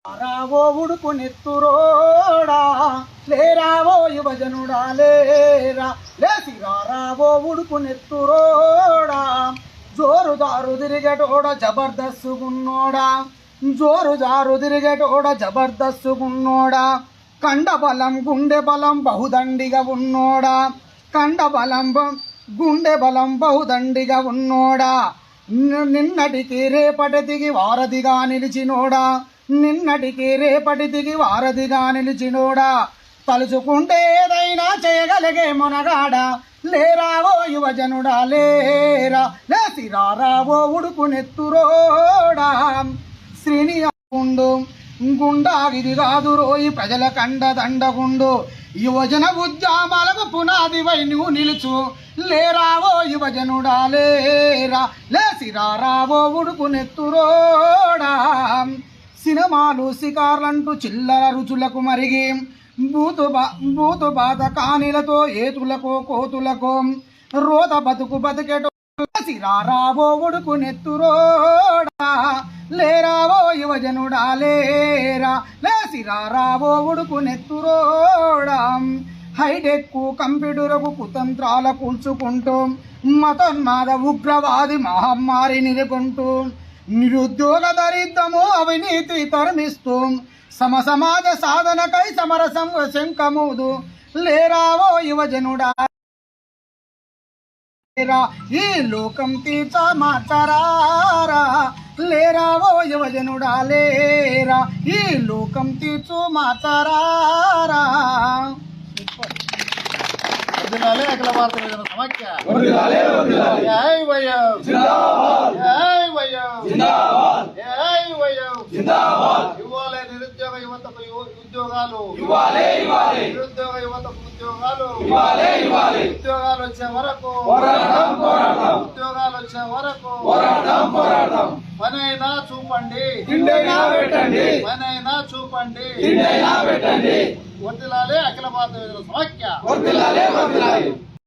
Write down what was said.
రావో ఉడుకు నెత్తురోడా లేరావో యువజనుడా లేరా లేసిరా రావో ఉడుకు నెత్తురోడా జోరుదారు తిరిగేటోడ జబర్దస్సుగున్నోడా జోరుదారు తిరిగేటోడ జబర్దస్సుగున్నోడా కండబలం గుండె బలం బహుదండిగా ఉన్నోడా కండబలం గుండె బలం బహుదండిగా ఉన్నోడా నిన్నటికి రేపటికి వారధిగా నిలిచినోడా నిన్నటికి రేపటికి వారధిగా నిలిచినోడా తలుచుకుంటే ఏదైనా చేయగలిగే మొనగాడా లేరావో యువజనుడా లేరా లేసిరా రావో ఉడుకు నెత్తురోడా శ్రీనియాగుండు గుండాగిది కాదు రోయి ప్రజల కండదండగుండు యువజన ఉద్యమాలకు పునాదివై నువ్వు నిలుచు లేరావో యువజనుడా లేరా లేసిరా రావో ఉడుకు నెత్తురోడా సినిమాలు శికార్లంటూ చిల్లర రుచులకు మరిగి బూతు బాధ కానిలతో ఏతులకో కోతులకో రోత బతుకు బతికేటో రావో ఉడుకు నెత్తురోడా లేరావో యువజనుడా లేరా లేసిరా రావో ఉడుకు నెత్తురోడా హైటెక్ కంప్యూటర్కు కుతంత్రాల కూల్చుకుంటూ మతోన్మాద ఉగ్రవాది మహమ్మారి నిలుకుంటూ నిరుద్యోగ దరిద్రము అవినీతి తరిమిస్తూ సమాజ సాధనకై సమరసం శంఖమూదు లేరావో యువజనుడా ఈ లోకం తీర్చ మార్చరారా లేరావో యువజనుడా లేరా ఈ లోకం తీర్చు మార్చరారా అఖిల భారత యువజన సమాఖ్య జై వయం జై వయం ఇవ్వాలి నిరుద్యోగ యువతకు ఉద్యోగాలు నిరుద్యోగ యువతకు ఉద్యోగాలు ఉద్యోగాలు వచ్చే వరకు ఉద్యోగాలు వచ్చే వరకు పనైనా చూపండి పనైనా చూపండి వర్ధిల్లాలి అఖిల భారత యువజన సమాఖ్య.